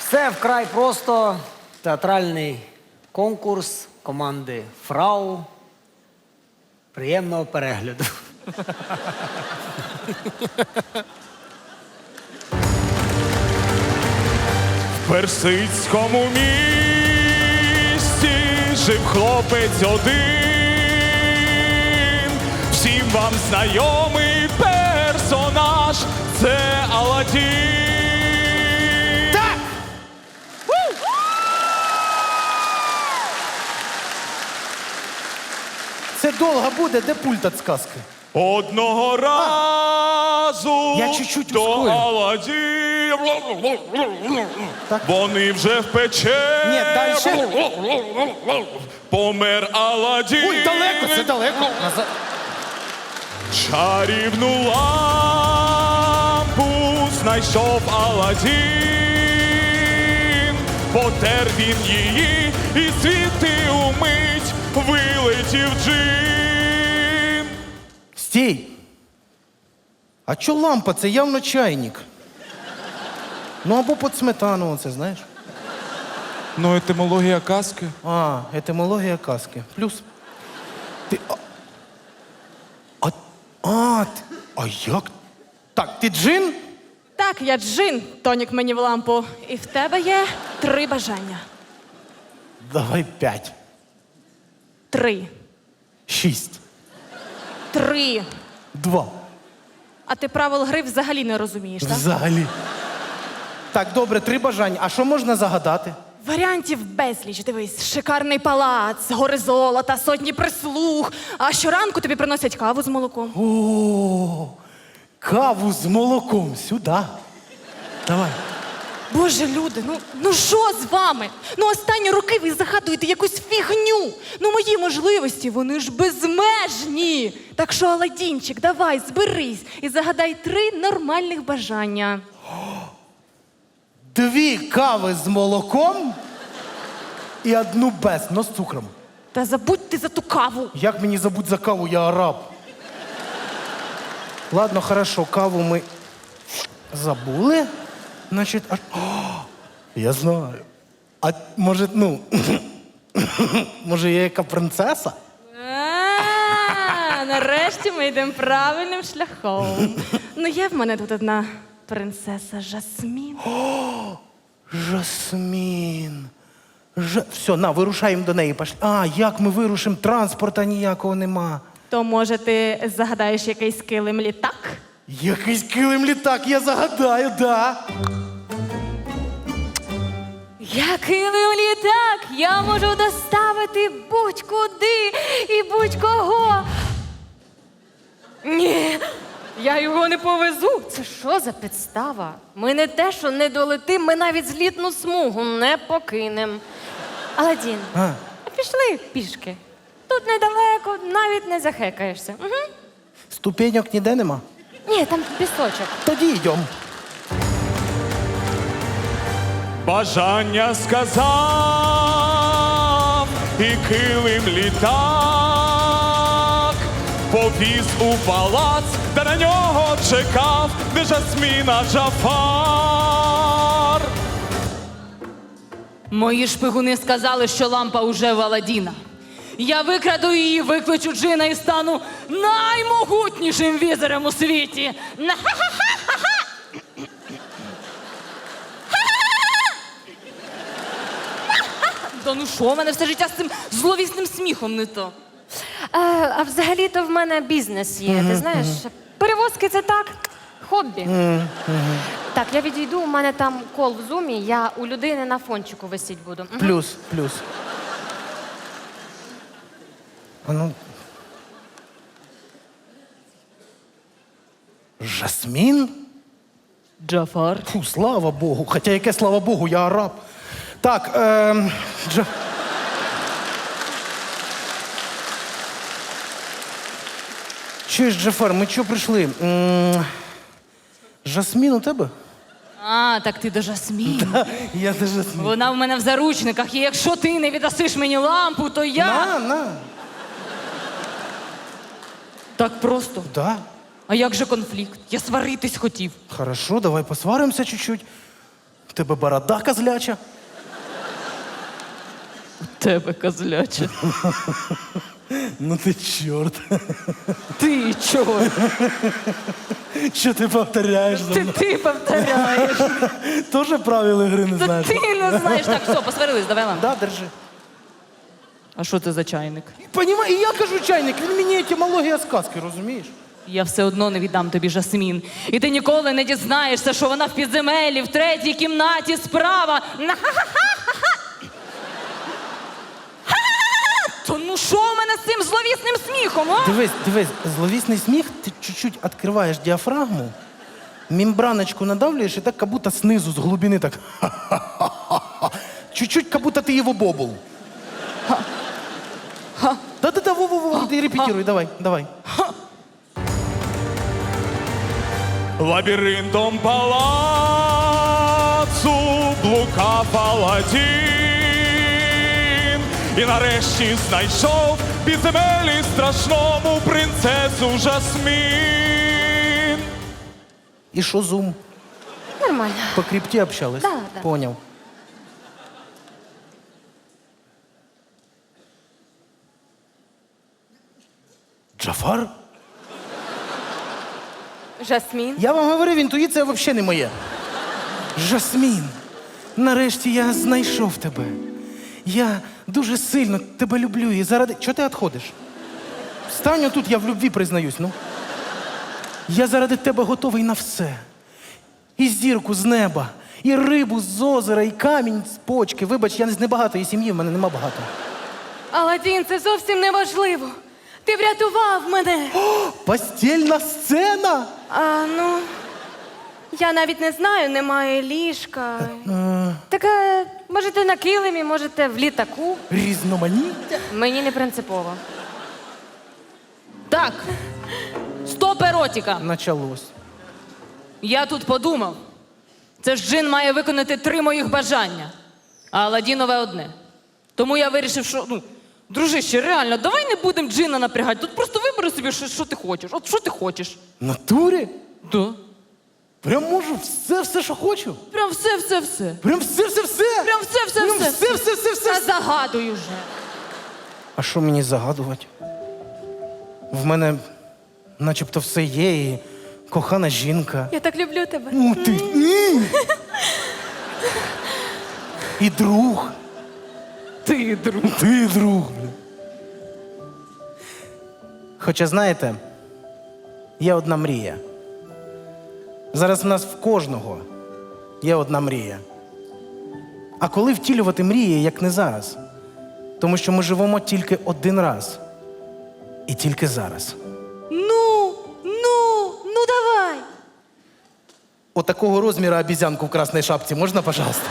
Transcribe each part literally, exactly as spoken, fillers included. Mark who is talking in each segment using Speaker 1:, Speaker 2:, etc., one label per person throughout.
Speaker 1: Все вкрай просто. Театральний конкурс команди Фрау. Приємного перегляду.
Speaker 2: В персидському місті жив хлопець один. Всім вам знайомий персонаж – це Аладдін.
Speaker 3: Так! Це довго буде, де пульт від сказки?
Speaker 2: Одного разу
Speaker 3: Я чуть-чуть
Speaker 2: до
Speaker 3: ускорю.
Speaker 2: Аладдіна.
Speaker 3: Так.
Speaker 2: Вони вже в печері.
Speaker 3: Ні, дальше.
Speaker 2: Помер Аладдін.
Speaker 3: Ой, далеко, це далеко. Назад.
Speaker 2: Чарівну лампу знайшов Аладдін. Потер він її, і звідти умить вилетів джин.
Speaker 3: Стій! А чо лампа? Це явно чайник. Ну або під сметану, оце, знаєш?
Speaker 2: Ну, етимологія казки.
Speaker 3: А, етимологія казки. Плюс. Ти. А, а, а, ти- а як? Так, ти джин?
Speaker 4: Так, я джин, тонік мені в лампу. І в тебе є три бажання.
Speaker 3: Давай п'ять.
Speaker 4: Три.
Speaker 3: Шість.
Speaker 4: Три.
Speaker 3: Два.
Speaker 4: А ти правил гри взагалі не розумієш, так?
Speaker 3: Взагалі. Так, добре, три бажання. А що можна загадати?
Speaker 4: Варіантів безліч. Дивись, шикарний палац, гори золота, сотні прислуг. А щоранку тобі приносять каву з молоком.
Speaker 3: О, каву з молоком сюди. Давай.
Speaker 4: Боже, люди, ну ну що з вами? Ну останні роки ви загадуєте якусь фігню. Ну мої можливості, вони ж безмежні. Так що, Аладдінчик, давай, зберись і загадай три нормальних бажання.
Speaker 3: Дві кави з молоком і одну без, но з цукром.
Speaker 4: Та забудь ти за ту каву.
Speaker 3: Як мені забудь за каву, я араб. Ладно, хорошо, каву ми забули. Значить, а... О, я знаю. А може, ну, може, я яка принцеса?
Speaker 4: А, нарешті ми йдемо правильним шляхом. Ну, є в мене тут одна принцеса Жасмін.
Speaker 3: Жасмін. Ж... Все, на, вирушаємо до неї. Пошли. А, як ми вирушимо? Транспорта ніякого нема.
Speaker 4: То, може, ти загадаєш якийсь килим літак?
Speaker 3: Якийсь килим літак, я загадаю, да.
Speaker 4: Я килим літак, я можу доставити будь-куди і будь-кого. Ні, я його не повезу.
Speaker 5: Це що за підстава? Ми не те, що не долетим, ми навіть злітну смугу не покинем. Аладдін,
Speaker 3: А.
Speaker 5: пішли пішки. Тут недалеко, навіть не захекаєшся. Угу.
Speaker 3: Ступеньок ніде нема?
Speaker 5: Ні, там пісочок.
Speaker 3: Тоді йдемо.
Speaker 2: Бажання сказав, і килим літак повіз у палац, де на нього чекав, де Жасміна Джафар.
Speaker 6: Мої шпигуни сказали, що лампа уже в Аладдіна. Я викраду її, викличу джина і стану наймогутнішим візером у світі. Та ну що, в мене все життя з цим зловісним сміхом не то.
Speaker 5: А, а взагалі-то в мене бізнес є, ти знаєш? Перевозки це так, хобі. Так, я відійду, у мене там кол в зумі, я у людини на фончику висіть буду. Мгм.
Speaker 3: Плюс, плюс. А ну. Жасмін?
Speaker 6: Джафар.
Speaker 3: Фу, слава Богу. Хоча яке слава Богу, я араб. Так, ем, Джа... Чуєш, Джафар, ми чого прийшли? М, Жасмін у тебе?
Speaker 6: А, так ти до Жасмін.
Speaker 3: Я до Жасмін.
Speaker 6: Вона в мене в заручниках, і якщо ти не віддасиш мені лампу, то я...
Speaker 3: На, на.
Speaker 6: Так просто.
Speaker 3: Да.
Speaker 6: А як же конфлікт? Я сваритись хотів.
Speaker 3: Хорошо, давай посваримося чуть-чуть. тебе борода козляча.
Speaker 6: Тебе козляче.
Speaker 3: Ну ти чорт.
Speaker 6: Ти чого?
Speaker 3: Що ти повторяєш за
Speaker 6: Ти,
Speaker 3: мною?
Speaker 6: ти повторяєш.
Speaker 3: Тоже правил ігри не
Speaker 6: Та
Speaker 3: знаєш?
Speaker 6: ти не знаєш. Так, все, посварились, давай нам.
Speaker 3: Да, держи.
Speaker 6: А що це за чайник?
Speaker 3: Понімай, і я кажу чайник, він мені етимологія сказки, розумієш?
Speaker 6: Я все одно не віддам тобі Жасмін. І ти ніколи не дізнаєшся, що вона в підземеллі, в третій кімнаті справа. На-ха-ха-ха-ха-ха. То ну що в мене з цим зловісним сміхом, а?
Speaker 3: Дивись, дивись, зловісний сміх, ти чуть-чуть відкриваєш діафрагму, мембраночку надавлюєш і так, как будто снизу, з глибини так. ха-ха-ха-ха. Чуть-чуть, как будто ти його бобул. Да-да-да, во-во-во, ти репетируй, давай, давай.
Speaker 2: Лабіринтом палацу блукав Аладдін і нарешті знайшов в підземеллі страшному принцесу Жасмін.
Speaker 3: І що зум?
Speaker 5: Нормально.
Speaker 3: По крипті общались?
Speaker 5: Да, да.
Speaker 3: Поняв. Джафар?
Speaker 5: Жасмін.
Speaker 3: Я вам говорив, інтуїція взагалі не моя. Жасмін, нарешті я знайшов тебе. Я дуже сильно тебе люблю і заради... Чого ти відходиш? Встань отут, я в любві признаюсь, ну. Я заради тебе готовий на все. І зірку з неба, і рибу з озера, і камінь з почки. Вибач, я не з небагатої сім'ї, в мене нема багато.
Speaker 4: Аладдін, це зовсім не важливо. Ти врятував мене.
Speaker 3: Постільна сцена!
Speaker 4: А, ну, я навіть не знаю, немає ліжка.
Speaker 5: Так, е, можете на килимі, можете в літаку.
Speaker 3: Різноманіття.
Speaker 5: Мені не принципово.
Speaker 6: Так, стоп еротіка.
Speaker 3: Началось.
Speaker 6: Я тут подумав. Це ж джин має виконати три моїх бажання, а Аладдінове одне. Тому я вирішив, що, ну, дружище, реально, давай не будемо джина напрягати. Тут просто вибери собі, що, що ти хочеш. От що ти хочеш.
Speaker 3: В натурі?
Speaker 6: Да.
Speaker 3: Прям можу все, все, що хочу.
Speaker 6: Прям все, все, все.
Speaker 3: Прям все, все, все.
Speaker 6: Прям все, все,
Speaker 3: Прям
Speaker 6: все.
Speaker 3: все, все, все, все.
Speaker 6: Та загадуй уже.
Speaker 3: А що мені загадувати? В мене начебто все є, і кохана жінка.
Speaker 4: Я так люблю тебе.
Speaker 3: Ну ти. М. І друг.
Speaker 6: Ти, друг.
Speaker 3: Ти друг. бля. Хоча, знаєте, є одна мрія. Зараз в нас в кожного є одна мрія. А коли втілювати мрії, як не зараз? Тому що ми живемо тільки один раз. І тільки зараз.
Speaker 4: Ну, ну, ну давай.
Speaker 3: Отакого розміру обізянку в красній шапці можна, пожалуйста?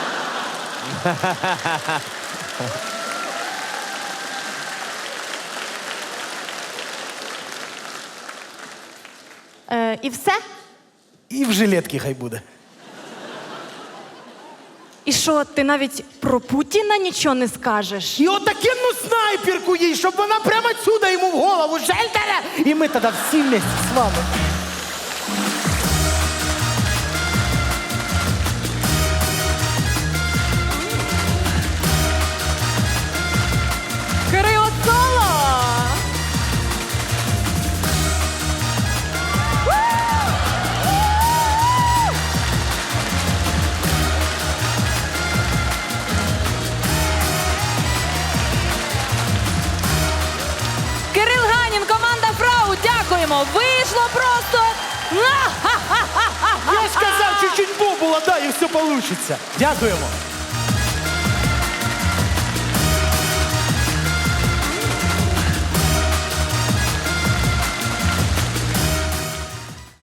Speaker 4: Е, і все?
Speaker 3: І в жилетці хай буде.
Speaker 4: І що, ти навіть про Путіна нічого не скажеш?
Speaker 3: І отакенну снайперку їй, щоб вона прямо сюди йому в голову жельтера. І ми тоді всі вместе з вами.
Speaker 4: Кирило Соло!
Speaker 6: Кирил Ганін, команда Фрау, дякуємо. Вийшло просто.
Speaker 3: Я ж казав, чуть-чуть бобула, да, і все вийде. Дякуємо.